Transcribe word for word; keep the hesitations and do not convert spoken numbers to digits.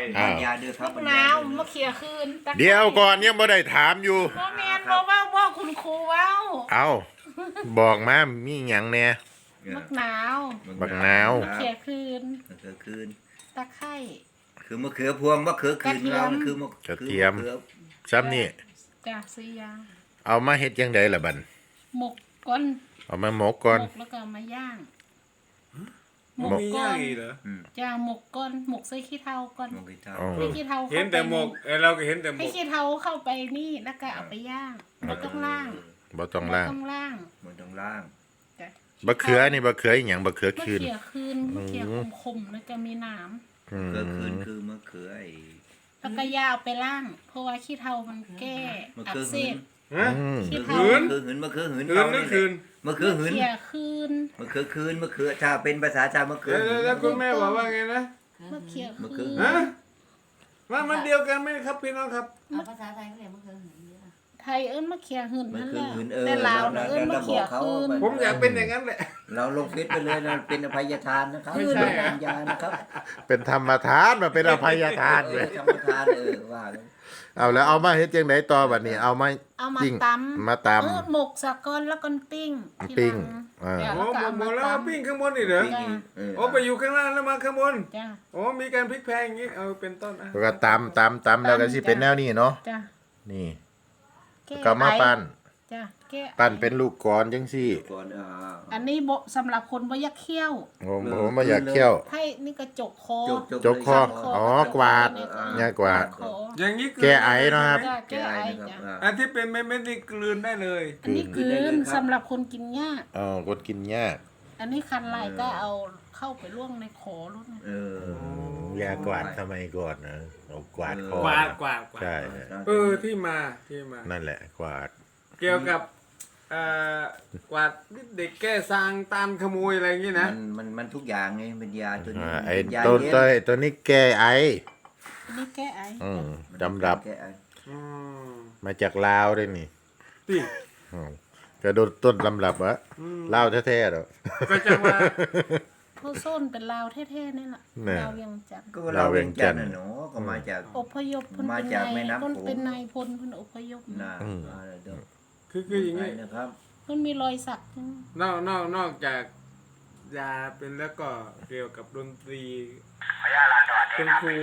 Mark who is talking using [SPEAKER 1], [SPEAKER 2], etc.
[SPEAKER 1] อ้าว
[SPEAKER 2] ยาเด้อครับ
[SPEAKER 3] มะนาวมะเขือคืนตะไคร้
[SPEAKER 1] เดี๋ยวก่อนยังบ่ได้ถามอยู่
[SPEAKER 3] บ่แม่นบ่เว้าบ่คุณครูเว้า
[SPEAKER 1] เอาบอกมามีหยังแหน่
[SPEAKER 3] มะนาว
[SPEAKER 1] บักนาว
[SPEAKER 3] มะเขือคืน
[SPEAKER 2] มะเขือคืน
[SPEAKER 3] ตะไคร้
[SPEAKER 2] คือมะเขือพวงมะเขือคืน
[SPEAKER 3] กระเทียม
[SPEAKER 2] เราคือมะ
[SPEAKER 1] กระเทียม
[SPEAKER 2] คือ
[SPEAKER 1] ซ้ำนี่
[SPEAKER 3] จ้ะสี่อย่าง
[SPEAKER 1] เอามาเฮ็ดจังไดล่ะบัด
[SPEAKER 3] หมกก่อน
[SPEAKER 1] เอามาหมกก่อน
[SPEAKER 3] หมกแล้วก็เอามาย่าง
[SPEAKER 4] มันมีย่างอีกเหรอ
[SPEAKER 2] อืม
[SPEAKER 3] จ้ะหมกก่อนหมกใส่ขี้เถ้าก่อน
[SPEAKER 2] มะเขือเทา
[SPEAKER 1] อ๋อ
[SPEAKER 3] ให้ขี้เถ้า
[SPEAKER 4] เห็น
[SPEAKER 3] เข้าไป
[SPEAKER 4] แต่หมกเอ้ยเราก็เห็นแต่หม
[SPEAKER 3] ให้
[SPEAKER 4] ก
[SPEAKER 3] ขี้เถ้าเข้าไปนี่แล้วก็เอาไปย่างบ่ต้องล่าง
[SPEAKER 1] บ่ต้องล่าง
[SPEAKER 3] บ่ต้องล่าง
[SPEAKER 2] มันต้องล่าง
[SPEAKER 3] จ้ะ
[SPEAKER 1] บะเขือนี่บะเขืออีหยังบะเขือ
[SPEAKER 3] มะ
[SPEAKER 1] คืน
[SPEAKER 3] เขือคืนมะเขือคมๆแล้วจะมีหนาม
[SPEAKER 1] อื
[SPEAKER 2] มะ
[SPEAKER 1] ม
[SPEAKER 2] เขือคืนคือมะเขือไอ้
[SPEAKER 3] แล้วก็ย่าเอาไปล่าง เพราะว่าขี้เถ้ามันแก้
[SPEAKER 2] มะ
[SPEAKER 3] อั
[SPEAKER 2] เขื
[SPEAKER 3] ก
[SPEAKER 2] อ
[SPEAKER 3] เส
[SPEAKER 2] หืน
[SPEAKER 3] บ
[SPEAKER 4] ฮะ
[SPEAKER 1] อืม
[SPEAKER 3] ขี้
[SPEAKER 2] มะ
[SPEAKER 3] เถ้า
[SPEAKER 2] เขือหืนมะเขือหืน
[SPEAKER 4] คืนนั่นคืน
[SPEAKER 2] มะเขือหืน
[SPEAKER 3] มะเขือคืน
[SPEAKER 2] มะเขือคืนมะเขือถ้าเป็นภาษาชาวมะเขือ
[SPEAKER 4] แล้ว
[SPEAKER 2] หืน
[SPEAKER 4] แล้วคุณแม่บอกว่าไงนะ
[SPEAKER 3] มะเขือ
[SPEAKER 2] มะเขื
[SPEAKER 3] คือ
[SPEAKER 2] อ
[SPEAKER 4] ฮะว่ามันเดียวกันไหมครับพี่น้องครับ
[SPEAKER 5] เอาภาษาไทยเขาเรียกมะเขือหืนเยอะ
[SPEAKER 3] ไทยเอิ้นมะเขือหืน
[SPEAKER 2] มะ
[SPEAKER 3] นั่น
[SPEAKER 2] เขื
[SPEAKER 3] แห
[SPEAKER 2] อ
[SPEAKER 3] ละ
[SPEAKER 2] หืนเออ
[SPEAKER 3] แต่ลาว
[SPEAKER 2] เรา
[SPEAKER 3] เอิ้นมะเขือคืน
[SPEAKER 4] ผมอยากเป็นอย่างนั้นแหละ
[SPEAKER 2] เราลงเฟซไปเลยนะเป็นอภัยทานนะครับ
[SPEAKER 4] ไม่ใช่อะ
[SPEAKER 2] เป็นยานะครับ
[SPEAKER 1] เป็นธรรมทานมาเป็นอภัยทาน
[SPEAKER 2] เอ
[SPEAKER 1] เล
[SPEAKER 2] อย ธรรมทานเออว่าเลย
[SPEAKER 1] เอาแล้วเอามาเฮ็ดจังไดต่อบัดนี้เอามา
[SPEAKER 3] เอามา
[SPEAKER 1] ปิ้ง
[SPEAKER 3] ตำ
[SPEAKER 1] มาตำ
[SPEAKER 3] เออหมกสะก้อนแล้วก็ปิ้งที
[SPEAKER 1] ปิ้ง
[SPEAKER 3] หลัง
[SPEAKER 1] อ่า
[SPEAKER 3] จ้ะ
[SPEAKER 4] โอ้
[SPEAKER 3] แล้วก็
[SPEAKER 4] หม
[SPEAKER 3] เอา
[SPEAKER 4] ดหม
[SPEAKER 3] มา
[SPEAKER 4] ดแล้ว
[SPEAKER 3] ต
[SPEAKER 4] ปิ้งข้างบนนี่เหรอ
[SPEAKER 2] ปิ้งอีกเออ
[SPEAKER 4] โอ้ไปอยู่ข้างล่างแล้วมาข้างบน
[SPEAKER 3] ำจ้ะ
[SPEAKER 4] โอ้มีการพลิกแพลงอย่างนี้เอาเป็นต้นอ่ะ
[SPEAKER 1] แล้วก็ตำตำตำแล้วก็สิเป็นแนวนี้เนาะ
[SPEAKER 3] จ้ะ
[SPEAKER 1] นี่
[SPEAKER 3] แก้
[SPEAKER 1] ก็มาปั้น
[SPEAKER 3] จ้ะแก้
[SPEAKER 1] ปั้นเป็นลูกกลอนจังซี่
[SPEAKER 2] ก่อนอ่า
[SPEAKER 3] อันนี้บ่สำหรับคนบ่อยากเคี้ยว
[SPEAKER 1] ผมผมบ่อยากเคี่ยว
[SPEAKER 3] ไพ่นี่ก็จกคอ
[SPEAKER 2] จก
[SPEAKER 1] จกคอ
[SPEAKER 2] เลย
[SPEAKER 1] อ๋อกวาด เนี่ยกวาด
[SPEAKER 3] คอ
[SPEAKER 4] อย่างนี้
[SPEAKER 1] แก้ไอเนอะครับ
[SPEAKER 3] จ้ะ
[SPEAKER 2] แก้
[SPEAKER 3] แก้
[SPEAKER 2] ไอ
[SPEAKER 3] ไอ
[SPEAKER 2] นะครับ
[SPEAKER 3] จ้ะ
[SPEAKER 2] อ่า
[SPEAKER 4] อันที่เป็นเม็ดๆนี่กลืนได้เลย
[SPEAKER 3] อันนี้
[SPEAKER 2] คื
[SPEAKER 3] คื
[SPEAKER 2] นได้เลย
[SPEAKER 3] น
[SPEAKER 2] ครับ
[SPEAKER 3] สำหรับคนกินยาก
[SPEAKER 1] อ๋อกดกินยาก
[SPEAKER 3] อันนี้คันลายก็เอาเข้าไปล่วงในขอรุ่น
[SPEAKER 2] เออ
[SPEAKER 1] ยากวาดทำไมก่อนนะเอากวาดคอก
[SPEAKER 4] วาดกวาดกวาด
[SPEAKER 1] ใช่
[SPEAKER 4] เออที่มาที่มา
[SPEAKER 1] นั่นแหละกวาด
[SPEAKER 4] เกี่ยวกับเอ่อกวาดเด็กแก้ซางตามขโมยอะไรอย่างนี้นะ
[SPEAKER 2] มันมันมันทุกอย่างไงเป็นยาตัวนี้
[SPEAKER 1] อ่าไอ้
[SPEAKER 2] เป็นยา
[SPEAKER 1] ตัว
[SPEAKER 2] เย็น
[SPEAKER 1] ตัวตัวนี้แก้ไอ
[SPEAKER 3] อันนี้แก้ไอ
[SPEAKER 1] อืมจำรับ
[SPEAKER 2] แก้ไอ
[SPEAKER 4] อืม
[SPEAKER 1] มาจากลาวด้วยนี่
[SPEAKER 4] ที่
[SPEAKER 1] อืมกระโดดต้นลำรับวะ
[SPEAKER 4] อืม
[SPEAKER 1] ลาวแท้ๆหรอ
[SPEAKER 4] ก็จะว่า
[SPEAKER 3] ผู้ส้นเป็นลาวแท้ๆนี่แหละ
[SPEAKER 1] เนี่ย
[SPEAKER 3] ลาวเวียงจันทร์
[SPEAKER 2] ก็เราเวียงจันทร์น่ะเนาะก็มาจาก
[SPEAKER 3] อพยพเพิ่น
[SPEAKER 2] มา
[SPEAKER 3] เป็น
[SPEAKER 2] จาก
[SPEAKER 3] นาย
[SPEAKER 2] แม่น้ำโขง
[SPEAKER 3] เพิ่นเป็นนายพลเพิ่นอพยพ
[SPEAKER 2] นา
[SPEAKER 1] อืม
[SPEAKER 2] อ่าเดี๋ยว
[SPEAKER 4] คือคืออย่าง
[SPEAKER 2] ไป
[SPEAKER 4] นี้
[SPEAKER 2] นะครับ
[SPEAKER 3] เพิ่นมีรอยสักจัง
[SPEAKER 4] นอกนอกนอกจากยาเป็นแล้วก็เกี่ยวกับดนตรีคุณครู